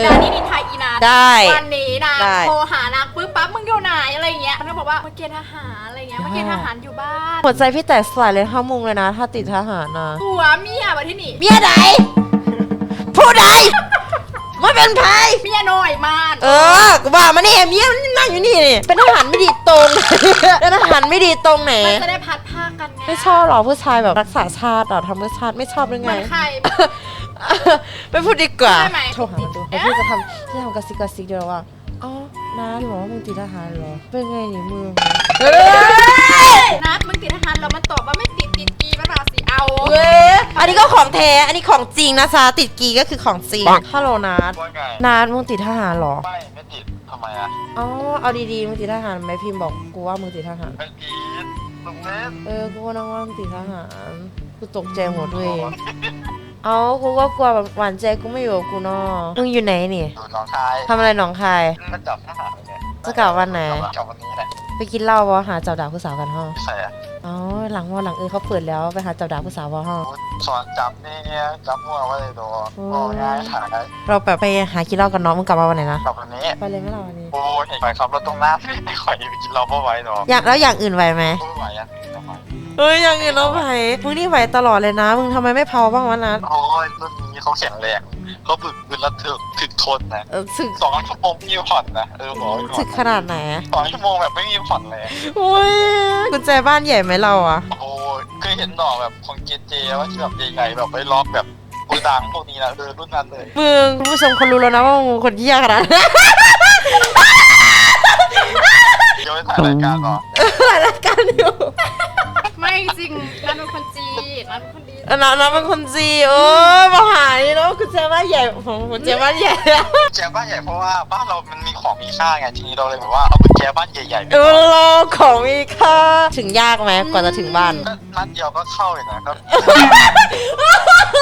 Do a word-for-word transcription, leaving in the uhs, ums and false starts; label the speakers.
Speaker 1: ดานี่นินทาอีนา
Speaker 2: ได้
Speaker 1: วันนี้นะโทรหานางปึ๊บปั๊บมึงอยู่ไหนอะไรเงี้ยมันก็บอกว่ามาเกณฑ์ทหารอะไรเงี้ยมาเกณฑ์ทหารอยู่บ้าน
Speaker 2: หัวใจพี่แตกสลายเลยห้ามุงเลยนะถ้าติดทหารนะ
Speaker 1: ตัวเมียมาที่นี่
Speaker 2: เมียไหนผู้ใดไม่เป็นไพ
Speaker 1: เมียน้อยมาก
Speaker 2: เออกูว่ามาเนี่ยเมียมันนั่งอยู่นี่นี่เป็นทหารไม่ดีตรงเป็นทหารไม่ดีตรงไหน
Speaker 1: มันจะได้พัดผ้ากันไง
Speaker 2: ไม่ชอบหรอผู้ชายแบบรักษาชาติหรอทำเพื่อชาติไม่ชอบหรือไง
Speaker 1: ใคร
Speaker 2: ไม่พูดดีกว่าโทรหามันดูพี่จะทำพี่ทำกระซิกกระซิกเดียวว่าอ๋อน้าหรอมึงติดทหารหรอเป็นไงนี่มึง
Speaker 1: นัดมึงติดทหารแล้วมันตอบว่าไม่ติดติดกีมันมาสิเอา
Speaker 2: เว้ยอันนี้ก็ของแท้อันนี้ของจริงนะจ๊ะติดกีก็คือของจริงฮัลโหลนัดนัดมึงติดทหารหรอ
Speaker 3: ไม่ไม่ติดทำไมอ่ะ
Speaker 2: อ๋อเอาดีๆมึงติดทหารไหมพิมพ์บอกกูว่ามึงติดทหาร
Speaker 3: ไม่ติดลุงเน็ต
Speaker 2: เออกูว่าน้องว่ามึงติดทหารกูตกใจหมดเลยเอากูก็กลัวแบบหวานใจกูไม่อยู่กับกูเนาะมึงอยู่ไหนนี่
Speaker 3: อยู่หนองคาย
Speaker 2: ทำอะไรหนองคาย
Speaker 3: มาจับทหารไง
Speaker 2: จะกลับวันไหน
Speaker 3: กลับวันนี้แหละ
Speaker 2: ไปกินเหล้าบ่หาเจ้าดาบผู้สาวกันห้อง
Speaker 3: ใช่อะ
Speaker 2: อ๋อหลังว่าหลังเออเขาเปิดแล้วไปหาเจ้าดาบผู้สาวบ่ห้อง
Speaker 3: สอนจับนี่จับมั่วไว้เลยตัวโอ้ง่ายหาได้
Speaker 2: เราแบบไปหากินเหล้ากันเนาะมึงกลับมาวันไหนนะ
Speaker 3: กลับวันนี้
Speaker 2: ไปเลยไหมเราวันนี้
Speaker 3: โอ้ยไปขับรถตรงหน้าไม่ค่อยไปกินเหล้าเพราะไว้เนาะ
Speaker 2: อย่างแล้วอย่างอื่นไหวไหม
Speaker 3: ไม่ไหวอ่ะ
Speaker 2: เฮ้ยอย่างอื่นเราไหวมึงนี่ไหวตลอดเลยนะมึงทำไมไม่เผาบ้างวะนัท
Speaker 3: โอ้ยรุ่นนี้เขาแข็งแรงเขาฝึกพื้นแล้วถึกถึกทนนะ
Speaker 2: เออถึก
Speaker 3: สองชั่วโมงมีผ่อนนะเออบอก
Speaker 2: ถึกขนาดไหน
Speaker 3: สองชั่วโมงแบบไม่มีผ่อนเลย
Speaker 2: โอ้ยกุญแจบ้านใหญ่ไหมเราอะ
Speaker 3: โอ้ยเคยเห็นดอกแบบของเจเจว่าที่แบบใหญ่ๆแบบไปล็อกแบบกูดังพวกนี้นะเออรุ่นนั้นเลย
Speaker 2: มึงคุณผู้ชมคนรู้แล้วนะว่ามึงคนที่ยากขนาด
Speaker 3: เดี๋ยวไปถ่ายรายการหรอ
Speaker 2: ถ่ายรายการอยู่
Speaker 1: ไม่จริงนัทเป็นคนจีนัทเป็นคนดี
Speaker 2: นัทนัทเป็นคนจีเออมาหายเนาะคุณเจ้าบ้านใหญ่ของคุณเจ้าบ้านใหญ่
Speaker 3: แจบ้านใหญ่เพราะว่าบ้านเรามันมีของมีค่าไงทีนี้เราเลยแบบว่าเอากุญแจบ้านใหญ่ๆ
Speaker 2: เออของมีค่าถึงยากไหมกว่าจะถึงบ้าน
Speaker 3: นัดเดียวก็เข้าเลยนะครับ